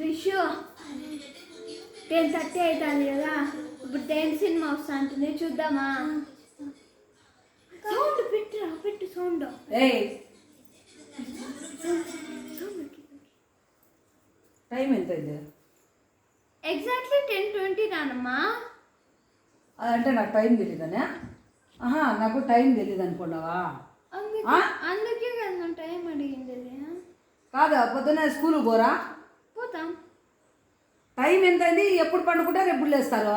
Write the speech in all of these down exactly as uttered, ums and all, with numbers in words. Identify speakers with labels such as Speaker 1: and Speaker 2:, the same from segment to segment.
Speaker 1: క్రిషు ten thirty అవుతుంది కదా, ఇప్పుడు టెన్ సినిమా వస్తా అంటుంది, చూద్దామా? సౌండ్ పెట్టురా, పెట్టు సౌండ్.
Speaker 2: టైం ఎంత అయింది?
Speaker 1: ఎగ్జాక్ట్లీ టెన్ ట్వంటీ నానమ్మా.
Speaker 2: అదంటే నాకు టైం తెలియదనే. ఆహా, నాకు టైం తెలియదు అనుకున్నావా?
Speaker 1: అందుకే కదా టైం అడిగింది.
Speaker 2: కాదా, పొద్దున్న స్కూల్కి పోరా?
Speaker 1: పోతాం.
Speaker 2: టైం ఎంత అయింది? ఎప్పుడు పండుకుంటారు, ఎప్పుడు లేస్తారు?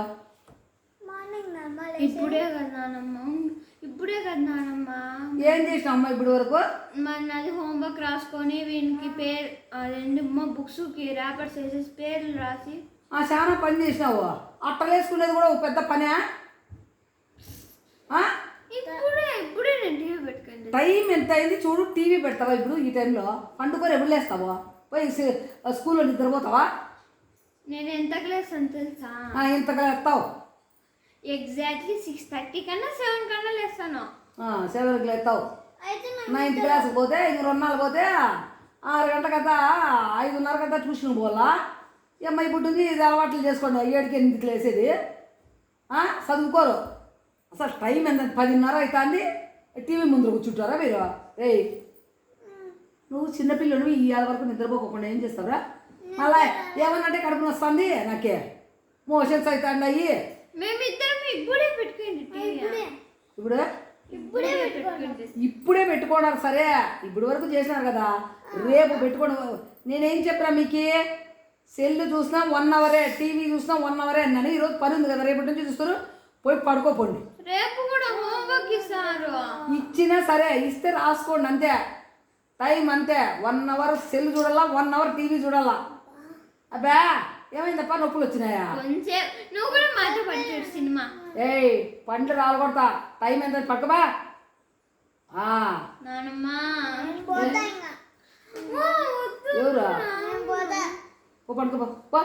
Speaker 1: ఇప్పుడే కదా నానమ్మ, ఇప్పుడే కదా నానమ్మ.
Speaker 2: ఏం చేసినావు అమ్మ ఇప్పుడు వరకు?
Speaker 1: మన అది హోంవర్క్ రాసుకొని వీనికి పేరు రెండు బుక్స్కి ర్యాపర్స్ వేసేసి పేర్లు రాసి
Speaker 2: చాలా పని చేసినావు. అట్టలు వేసుకునేది కూడా ఒక పెద్ద పనే.
Speaker 1: ఇప్పుడే ఇప్పుడే నేను టీవీ పెట్టుకోండి.
Speaker 2: టైం ఎంత అయింది చూడు. టీవీ పెడతావా ఇప్పుడు ఈ టైంలో? పండుకొని ఎప్పుడు లేస్తావా? పోయి స్కూల్లో నిద్రపోతావా?
Speaker 1: నేను ఎంతకు లేస్తాను తెలుసా?
Speaker 2: ఎంతగా లేస్తావు?
Speaker 1: ఎగ్జాక్ట్లీ సిక్స్ థర్టీ కన్నా సెవెన్ కన్నా లేస్తాను.
Speaker 2: సెవెన్కి లేస్తావు. నైన్త్ క్లాస్కి పోతే ఇంక రెండు నాలుగు పోతే ఆరు గంటల కదా, ఐదున్నర కదా ట్యూషన్ పోవాలా. అమ్మాయి పుట్టింది, ఇది అలవాట్లు చేసుకోండి. ఏడుకి ఎనిమిదికి లేసేది చదువుకోరు. అసలు టైం ఎంత? పదిన్నర అవుతుంది, టీవీ ముందు కూర్చుంటారా మీరు? రే, నువ్వు చిన్నపిల్లలు ఈ ఆరు వరకు నిద్రపోకుండా ఏం చేస్తావురా? మళ్ళా ఏమన్నంటే కడుపుని వస్తుంది, నాకే మోషన్స్ అవుతాయి.
Speaker 1: ఇప్పుడే పెట్టుకోండి.
Speaker 2: ఇప్పుడు
Speaker 1: ఇప్పుడే పెట్టుకోండి.
Speaker 2: ఇప్పుడే పెట్టుకోవడానికి సరే, ఇప్పుడు వరకు చేసినారు కదా, రేపు పెట్టుకోండి. నేనేం చెప్పరా మీకు? సెల్ చూసినా వన్ అవరే, టీవీ చూసినా వన్ అవరే అన్నాను. ఈరోజు పని ఉంది కదా, రేపటి నుంచి చూస్తారు. పోయి పడుకోపోండి.
Speaker 1: రేపు కూడా హోంవర్క్ ఇస్తారు.
Speaker 2: ఇచ్చినా సరే, ఇస్తే రాసుకోండి అంతే. టైం అంతే. వన్ అవర్ సెల్ చూడాలా, వన్ అవర్ టీవీ చూడాలా. అబ్బా ఏమైందప్ప, నొప్పులు వచ్చినాయా?
Speaker 1: నువ్వు కూడా మాతో పట్టాడు సినిమా.
Speaker 2: ఏయ్, పండ్లు రాలకొడతా. టైం ఎంత? పక్కబా.
Speaker 1: నానమ్మా
Speaker 2: ఎవరా? ఓ పడుకోబా.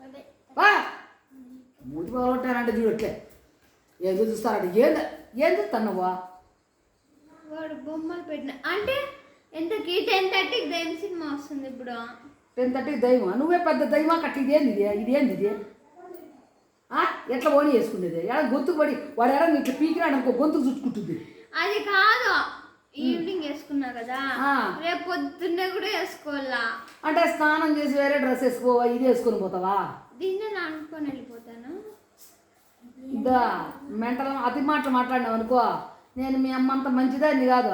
Speaker 2: మూతి బాగుంటానంటే చూడట్లే, ఏదో చూస్తారంటే. ఏంది ఏం చూస్తాను నువ్వు?
Speaker 1: వాడు బొమ్మలు పెట్టిన అంటే ఎంతకి టెన్ థర్టీకి దైవం సినిమా వస్తుంది ఇప్పుడు.
Speaker 2: టెన్ థర్టీకి దైవమా? నువ్వే పెద్ద దైవమా కట్టి. ఇదేంది ఇది? ఇదేంది ఇది? ఎట్లా ఓని వేసుకునేది? ఎడ గొంతుకు పడి వాడు ఎడ ఇట్లా పీకినాడు అనుకో, గొంతుకు చుట్టుకుంటుంది.
Speaker 1: అది కాదు, ఈవినింగ్ వేసుకున్నా కదా, రేపు పొద్దున్నే కూడా వేసుకోవాలా.
Speaker 2: అంటే స్నానం చేసి వేరే డ్రెస్ వేసుకోవా? ఇది వేసుకొని పోతావా?
Speaker 1: దీన్నే నానుకొని వెళ్ళిపోతాను.
Speaker 2: ఇదా మెంటల్ అతి మాటలు మాట్లాడినావు అనుకో, నేను మీ అమ్మ అంత మంచిదాన్ని కాదు.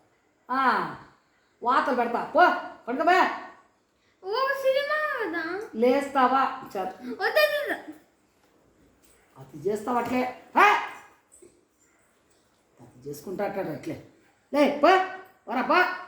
Speaker 2: వాతలు పెడతా. పో పడుకోబా.
Speaker 1: ఓ సినిమా కదా,
Speaker 2: లేస్తావా? అది చేస్తావు అట్లే, అది చేసుకుంటా అట్లా అట్లే. లే పో వరా పో.